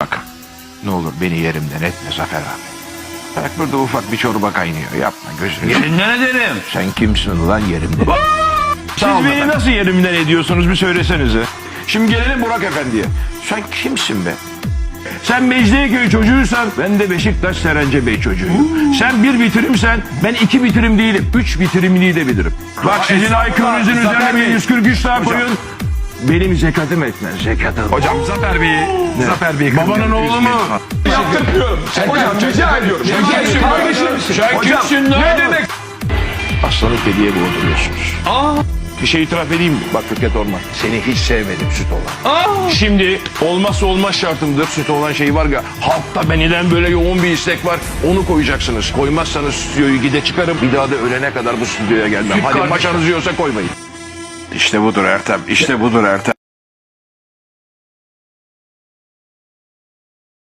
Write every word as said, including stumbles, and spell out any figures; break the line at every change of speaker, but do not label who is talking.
Bak ne olur beni yerimden etme Zafer abi. Bak burada ufak bir çorba kaynıyor. Yapma gözünü.
Yerinden ederim.
Sen kimsin ulan yerimden?
Siz beni nasıl yerimden ediyorsunuz bir söylesenize. Şimdi gelelim Burak Efendi'ye.
Sen kimsin be?
Sen Mecidiyeköy çocuğuysan ben de Beşiktaş Serence Bey çocuğuyum. Sen bir bitirimsen ben iki bitirim değilim. Üç bitirimliği de bilirim. Bak sizin I Q'nuzun üzerine bir yüz kırk üç daha koyun. Benim zekatım etmez. Zekatım.
Hocam Zafer Bey'i, Zafer Bey'i
Babanın oğlu mu?
yaptırmıyorum. Hocam rica ediyorum. Sen kimsin kardeşim?
Sen kimsin lan?
Ne demek?
Aslanı kediye boğduruyorsunuz.
Bir şey itiraf edeyim mi? Bak Fikret Orman.
Seni hiç sevmedim süt olan.
Şimdi olmazsa olmaz şartımdır. Süt olan şey var ya. Halkta beniden böyle yoğun bir istek var. Onu koyacaksınız. Koymazsanız stüdyoyu gide çıkarım. Bir daha da ölene kadar bu stüdyoya gelmem. Hadi maçanız yiyorsa koymayın.
İşte budur Ertem. İşte budur Ertem.